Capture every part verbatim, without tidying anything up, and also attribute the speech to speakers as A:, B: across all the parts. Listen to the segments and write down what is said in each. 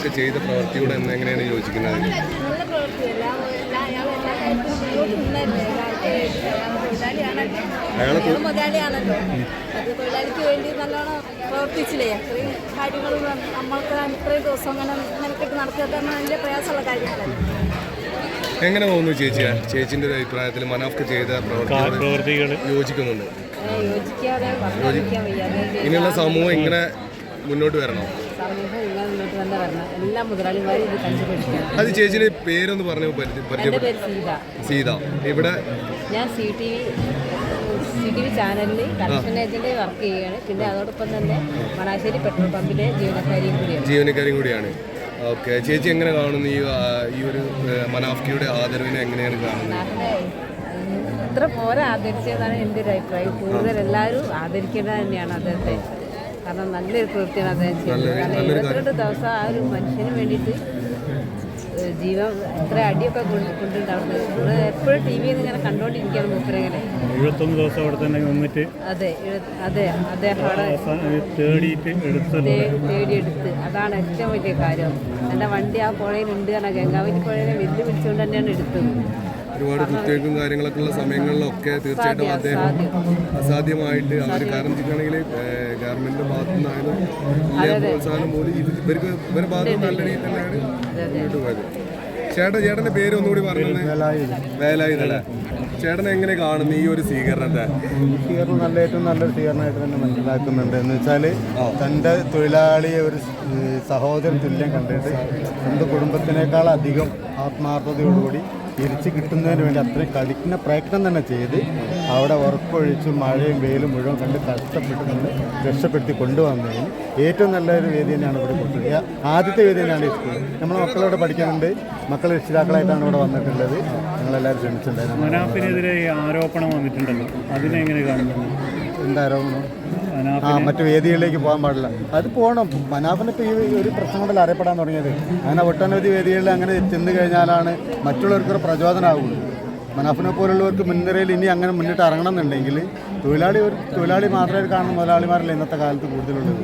A: മനാഫൊക്കെ ചെയ്ത പ്രവൃത്തിയോട് എന്ന് എങ്ങനെയാണ് യോജിക്കുന്നത്?
B: നല്ല പ്രവൃത്തിയല്ല, അയാൾ എല്ലാ കാര്യത്തിലും മുന്നോട്ട് നിന്നല്ലേ. അയാൾ മുതലാളിയാണല്ലോ, അത് തൊഴിലാളിക്ക് വേണ്ടി നല്ലോണം പ്രവർത്തിച്ചില്ലേ. അത്രയും കാര്യങ്ങൾ നമ്മൾക്ക് ഇത്രയും ദിവസം അങ്ങനെ മെനക്കെട്ട് നടക്കുക നല്ല പ്രയാസമുള്ള കാര്യങ്ങളല്ലേ.
A: എങ്ങനെ തോന്നുന്നു ചേച്ചി? ചേച്ചിന്റെ ഒരു അഭിപ്രായത്തിൽ മനാഫ് ചെയ്ത പ്രവർത്തികൾ യോജിക്കുന്നുണ്ട്?
B: യോജിക്കാതെ പറഞ്ഞിരിക്കാൻ വയ്യാതെ
A: ഇനിയുള്ള സമൂഹം ഇങ്ങനെ മുന്നോട്ട് വരണോ?
B: സമൂഹം ഇങ്ങനെ മുന്നോട്ട് തന്നെ വരണം. എല്ലാ മുതലാളിമാരും ഇത് കണ്ടുപിടിക്കണം.
A: അത് ചേച്ചിയുടെ പേരൊന്ന് പറഞ്ഞു.
B: എൻ്റെ പേര് സീത.
A: സീത. ഇവിടെ
B: ഞാൻ C T V C T V ചാനലിൽ കറക്ഷൻ ഏജന്റ് വർക്ക് ചെയ്യുകയാണ്. പിന്നെ അതോടൊപ്പം തന്നെ മണാശ്ശേരി പെട്രോൾ പമ്പിലെ ജീവനക്കാരിയും കൂടിയാണ്
A: ജീവനക്കാരിയും കൂടിയാണ് ഓക്കെ. ചേച്ചി എങ്ങനെ കാണുന്നു ഈ ഈ ഒരു മനാഫ്കിയുടെ ആദരവിനെ എങ്ങനെയാണ് കാണുന്നത്?
B: അത്ര പോരാ ആദരിച്ചതാണ് എൻ്റെ ഒരു അഭിപ്രായം. കൂടുതൽ എല്ലാവരും ആദരിക്കേണ്ടത് തന്നെയാണ് അദ്ദേഹത്തെ. കാരണം നല്ലൊരു പ്രവൃത്തിയാണ് അദ്ദേഹം ചെയ്തത്. കാരണം ഇരുപത്തിരണ്ട് ദിവസം ആ ഒരു മനുഷ്യന് വേണ്ടിയിട്ട് ജീവൻ എത്ര അടിയൊക്കെ കൊണ്ടുണ്ടാവുന്നത് നമ്മൾ എപ്പോഴും ടി വിയിൽ നിന്ന് ഇങ്ങനെ കണ്ടുകൊണ്ടിരിക്കുകയാണ്. മൂപ്പരെങ്ങനെ
C: എഴുപത്തൊന്ന് ദിവസം അവിടെ തന്നെ നിന്നിട്ട്
B: അതെ അതെ അദ്ദേഹം അവിടെ തേടിയെടുത്ത് അതാണ് ഏറ്റവും വലിയ കാര്യം. എൻ്റെ വണ്ടി ആ പുഴയിലുണ്ട് കാരണം ഗംഗാവലി പുഴയെ വെല്ലു വിളിച്ചുകൊണ്ട് തന്നെയാണ് എടുത്തത്.
A: ഒരുപാട് കുത്തിവയ്പ്പും കാര്യങ്ങളൊക്കെ ഉള്ള സമയങ്ങളിലൊക്കെ തീർച്ചയായിട്ടും അദ്ദേഹം അസാധ്യമായിട്ട് അവർ കാരണം വെച്ചിട്ടാണെങ്കിൽ ഗവൺമെന്റിന്റെ ഭാഗത്തു നിന്നായാലും പ്രോത്സാഹനം പോലും ഇവർക്ക് ഇവരുടെ ഭാഗത്ത് നല്ല രീതിയിൽ തന്നെയാണ് മുന്നോട്ട് പോയത്. ചേട്ടൻ ചേട്ടന്റെ പേര് ഒന്നുകൂടി പറഞ്ഞത്? വേലായുധല്ലേ. ചേട്ടൻ എങ്ങനെ കാണുന്നു ഈ ഒരു സ്വീകരണത്തെ?
D: സ്വീകരണം നല്ല ഏറ്റവും നല്ലൊരു സ്വീകരണമായിട്ട് തന്നെ മനസ്സിലാക്കുന്നുണ്ട്. എന്ന് വെച്ചാൽ തൻ്റെ തൊഴിലാളിയെ ഒരു സഹോദരൻ തുല്യം കണ്ടിട്ട് സ്വന്തം കുടുംബത്തിനേക്കാൾ അധികം ആത്മാർത്ഥതയോടുകൂടി തിരിച്ച് കിട്ടുന്നതിന് വേണ്ടി അത്രയും കഠിന പ്രയത്നം തന്നെ ചെയ്ത് അവിടെ ഉറക്കൊഴിച്ചും മഴയും വെയിലും മുഴുവൻ കണ്ട് കഷ്ടപ്പെട്ട് നമ്മൾ രക്ഷപ്പെടുത്തി കൊണ്ടുവന്നതിന് ഏറ്റവും നല്ലൊരു വേദി തന്നെയാണ് ഇവിടെ കൊടുത്തത്. ആദ്യത്തെ വേദി തന്നെയാണ് ഈ സ്കൂൾ. നമ്മൾ മക്കളോട് പഠിക്കുന്നുണ്ട്, മക്കൾ രക്ഷിതാക്കളായിട്ടാണ് ഇവിടെ വന്നിട്ടുള്ളത്. ഞങ്ങളെല്ലാവരും ക്ഷണിച്ചിട്ടുണ്ടായിരുന്നു.
C: മനാഫിനെതിരെ ആരോപണം വന്നിട്ടുണ്ടല്ലോ, അതിനെങ്ങനെ കാണുന്നു?
D: എന്താ ആരോപണം? ആ മറ്റു വേദികളിലേക്ക് പോകാൻ പാടില്ല. അത് പോകണം. മനാഫിനിപ്പോൾ ഈ ഒരു പ്രശ്നം കൊണ്ടല്ല അറിയപ്പെടാൻ തുടങ്ങിയത്. അങ്ങനെ ഒട്ടനവധി വേദികളിൽ അങ്ങനെ ചെന്ന് കഴിഞ്ഞാലാണ് മറ്റുള്ളവർക്കൊരു പ്രചോദനമാകുള്ളൂ. മനാഫിനെ പോലുള്ളവർക്ക് മുൻനിരയിൽ ഇനി അങ്ങനെ മുന്നിട്ട് ഇറങ്ങണം എന്നുണ്ടെങ്കിൽ തൊഴിലാളി ഒരു തൊഴിലാളി മാത്രമേ കാണുന്ന മുതലാളിമാരല്ല ഇന്നത്തെ കാലത്ത് കൂടുതലുള്ളത്.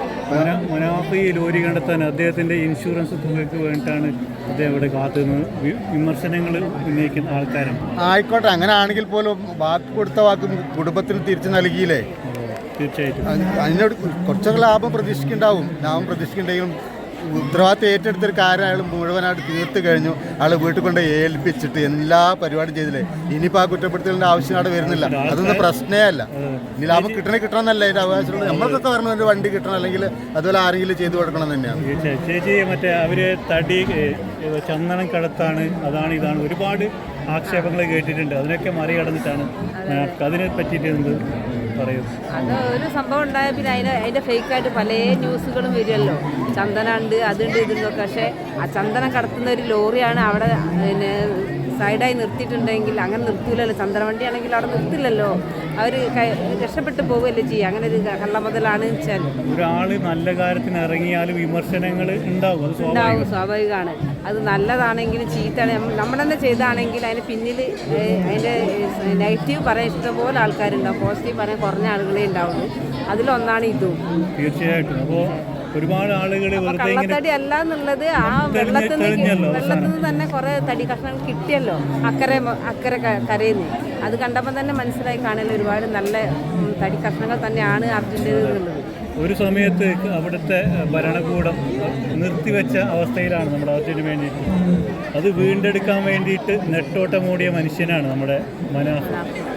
C: മനാഫ് ഈ ലോറി കണ്ടെത്താൻ അദ്ദേഹത്തിൻ്റെ ഇൻഷുറൻസ് തുകയ്ക്ക് വേണ്ടിയിട്ടാണ് അദ്ദേഹം ഇവിടെ കാത്തുനിന്ന് വിമർശനങ്ങൾ ഉന്നയിക്കുന്ന ആൾക്കാരാണ്.
D: ആയിക്കോട്ടെ, അങ്ങനെ ആണെങ്കിൽ പോലും വാക്ക് കൊടുത്ത വാക്ക് കുടുംബത്തിന് തിരിച്ചു നൽകിയില്ലേ?
C: തീർച്ചയായിട്ടും
D: അതിനോട് കുറച്ചൊക്കെ ലാഭം പ്രതീക്ഷിക്കുന്നുണ്ടാവും. ലാഭം പ്രതീക്ഷിക്കുന്നുണ്ടെങ്കിലും ഉത്തരവാദിത്തം ഏറ്റെടുത്തൊരു കാര്യം അയാൾ മുഴുവനായിട്ട് തീർത്ത് കഴിഞ്ഞു. അയാൾ വീട്ടിൽ കൊണ്ട് ഏൽപ്പിച്ചിട്ട് എല്ലാ പരിപാടിയും ചെയ്തില്ലേ. ഇനിയിപ്പോൾ ആ കുറ്റപ്പെടുത്തലിൻ്റെ ആവശ്യം അവിടെ വരുന്നില്ല. അതൊന്നും പ്രശ്നമേ അല്ല. ഇനി ലാഭം കിട്ടണേ കിട്ടണമെന്നല്ല അതിൻ്റെ അവകാശമുള്ളത്. നമ്മൾക്കൊക്കെ പറഞ്ഞ ഒരു വണ്ടി കിട്ടണം, അല്ലെങ്കിൽ അതുപോലെ ആരെങ്കിലും ചെയ്തു കൊടുക്കണം തന്നെയാണ്.
C: ചേച്ചി മറ്റേ അവർ തടി ചന്ദനം കടത്താണ്, അതാണ് ഇതാണ് ഒരുപാട് ആക്ഷേപങ്ങൾ കേട്ടിട്ടുണ്ട്. അതിനൊക്കെ മറികടന്നിട്ടാണ് അതിനെ പറ്റിയിട്ട് എന്ത് പറയുന്നത്?
B: അത് ഒരു സംഭവം ഉണ്ടായ പിന്നെ അതിന് അതിൻ്റെ ഫേക്കായിട്ട് പല ന്യൂസുകളും വരുമല്ലോ. ചന്ദനമുണ്ട്, അതുണ്ട്, ഇതുണ്ടൊക്കെ. പക്ഷേ ആ ചന്ദനം കടത്തുന്ന ഒരു ലോറിയാണ് അവിടെ പിന്നെ സൈഡായി നിർത്തിയിട്ടുണ്ടെങ്കിൽ അങ്ങനെ നിർത്തൂലല്ലോ. ചന്ദന വണ്ടിയാണെങ്കിൽ അവിടെ നിർത്തില്ലല്ലോ. അവർ രക്ഷപ്പെട്ടു പോവുകയല്ലേ ചെയ്യുക. അങ്ങനെ ഒരു കള്ളമുതലാണ് വെച്ചാൽ
C: ഒരാൾ നല്ല കാര്യത്തിന് ഇറങ്ങിയാലും വിമർശനങ്ങൾ ഉണ്ടാവും.
B: ഉണ്ടാവും, സ്വാഭാവികമാണ്. അത് നല്ലതാണെങ്കിലും ചീത്തയാണ് നമ്മൾ തന്നെ ചെയ്താണെങ്കിൽ അതിന് പിന്നിൽ അതിൻ്റെ നെഗറ്റീവ് പറയാൻ ഇഷ്ടംപോലെ ആൾക്കാരുണ്ടാവും. പോസിറ്റീവ് പറയാൻ കുറഞ്ഞ ആളുകളെ ഉണ്ടാവുള്ളൂ. അതിലൊന്നാണ് ഇതും.
C: തീർച്ചയായിട്ടും. അപ്പോൾ ഒരുപാട് ആളുകൾ
B: കള്ളത്തടി അല്ല എന്നുള്ളത് ആ വെള്ളത്തിൽ നിന്ന് വെള്ളത്തിൽ നിന്ന് തന്നെ കുറേ തടി കഷ്ണങ്ങൾ കിട്ടിയല്ലോ അക്കരെ അക്കരെ കരയുന്നു. അത് കണ്ടപ്പോൾ തന്നെ മനസ്സിലായി കാണുന്ന ഒരുപാട് നല്ല തടി കഷ്ണങ്ങൾ തന്നെയാണ് അർജുൻ്റേത് എന്നുള്ളത്.
C: ഒരു സമയത്ത് അവിടുത്തെ ഭരണകൂടം നിർത്തിവെച്ച അവസ്ഥയിലാണ് നമ്മുടെ അർജുന് വേണ്ടിയിട്ട്. അത് വീണ്ടെടുക്കാൻ വേണ്ടിയിട്ട് നെട്ടോട്ടമോടിയ മനുഷ്യനാണ് നമ്മുടെ മനാഫ്.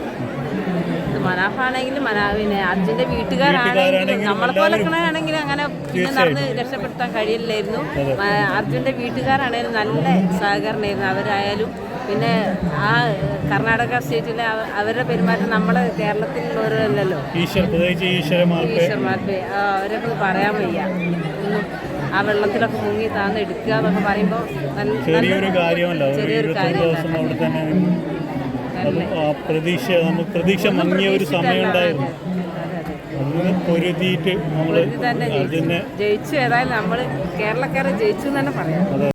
B: മനാഫാണെങ്കിലും മനാ പിന്നെ അർജുൻ്റെ വീട്ടുകാരാണെങ്കിലും നമ്മളെ പോലെയാണെങ്കിലും അങ്ങനെ പിന്നെ നടന്ന് രക്ഷപ്പെടുത്താൻ കഴിയില്ലായിരുന്നു. അർജുൻ്റെ വീട്ടുകാരാണെങ്കിലും നല്ല സഹകരണമായിരുന്നു അവരായാലും. പിന്നെ ആ കർണാടക സ്റ്റേറ്റിലെ അവരുടെ പെരുമാറ്റം നമ്മളെ കേരളത്തിലുള്ളവരല്ലല്ലോ. ഈശ്വരന്മാർക്ക് അവരൊക്കെ പറയാൻ വയ്യ. ആ വെള്ളത്തിലൊക്കെ മുങ്ങി താന്ന് എടുക്കുക എന്നൊക്കെ പറയുമ്പോൾ
C: ചെറിയൊരു കാര്യമല്ല. ചെറിയൊരു കാര്യം. പ്രതീക്ഷ നമുക്ക് പ്രതീക്ഷ മങ്ങിയ ഒരു സമയം ഉണ്ടായിരുന്നു. അതിന് പൊരുതിയിട്ട് നമ്മൾ
B: ജയിച്ചു. ഏതായാലും നമ്മൾ കേരളക്കാരെ ജയിച്ചു എന്ന് തന്നെ പറയാം.